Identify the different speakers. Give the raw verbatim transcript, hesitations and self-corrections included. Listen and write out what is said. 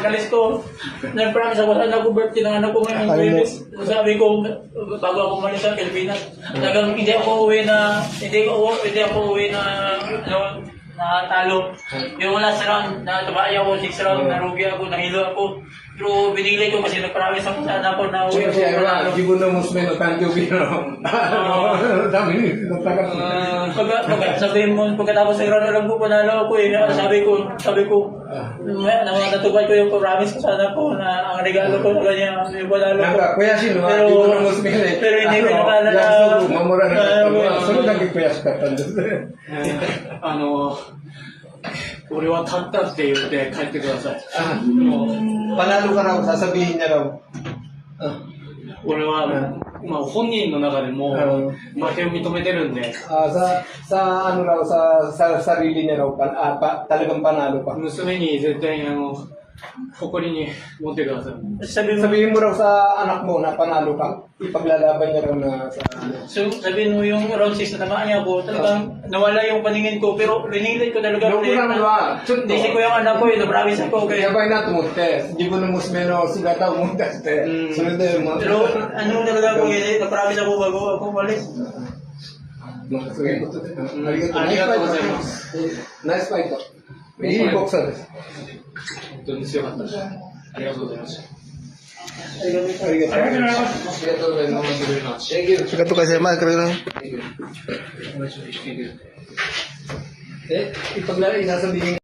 Speaker 1: pagkalis ko, nag-promise ako sa anak ko, birthday ng anak ko ngayon.
Speaker 2: Ano?
Speaker 1: Sabi ko, bago ako umalis sa Pilipinas, talagang hindi ako uwi na, hindi ako, hindi ako uwi na, ano, na talo. Yung last round, na tabay ako, six round, narugi ako, nahilo ako. Pero binigay ko kasi nag-promise ako sa anak ko na uwi
Speaker 2: Cioè,
Speaker 1: ako.
Speaker 2: cioè,
Speaker 1: panalo.
Speaker 2: allora, gibuno musmeno tanto vino. Dami nito taga.
Speaker 1: Pag, pag, sabihin mo, pagkatapos ng round, alam ko, panalo ako eh. Sabi ko, sabi ko, natutupad ko yung promise ko sa anak ko na ang regalo ko sa kanya, yung panalo ko.
Speaker 2: Naka, kuya sino,
Speaker 1: Pero-
Speaker 2: gibuno musmeno.
Speaker 1: pero hindi ko nakala na-
Speaker 2: Yasu, mamura na.
Speaker 1: Ah,
Speaker 2: Sunod lang kay kuya sa katan.
Speaker 3: あの、俺は勝ったって言って帰ってください。
Speaker 2: Ah,
Speaker 3: もう
Speaker 2: panalo ka raw, sasabihin niya raw.
Speaker 3: 俺は、まあ、本人の中でも
Speaker 2: うん
Speaker 3: 負けを認めてるんで、
Speaker 2: Ah, sa sa ano raw sa sa sarili niya raw pan, ah, pa, talagang panalo pa.
Speaker 3: 娘に絶対あの誇りに持ってください。
Speaker 1: Sabi mo,
Speaker 2: Sabihin mo raw sa anak mo na panalo ka. Ipaglalaban niya raw na sa ano.
Speaker 1: so, sabihin mo yung round six na tamaan niya ako, talagang nawala yung paningin ko, pero rinilid ko talaga.
Speaker 2: Yung
Speaker 1: ulit
Speaker 2: kurang
Speaker 1: na-
Speaker 2: ba? Chunto.
Speaker 1: Hindi ko yung anak ko eh, na-promise ako. Kaya,
Speaker 2: やばいなと思って、自分の娘の姿を思い出して、
Speaker 1: うん
Speaker 2: それで、まあ、
Speaker 1: pero ano talaga ako eh, na-promise ako bago ako umalis.
Speaker 2: まあそういうことで、
Speaker 3: ん
Speaker 2: ありがとう
Speaker 3: ありがとうございます
Speaker 2: ナイスファイト。いいボクサーです。
Speaker 3: 本当に強かったです。ありがとうございました。
Speaker 2: ありがとうございます。ありがとうございます。ありがとうございます。Thank you.
Speaker 4: Sikat to kasi, Mark.
Speaker 2: Eh, ipaglalagay, sasabihin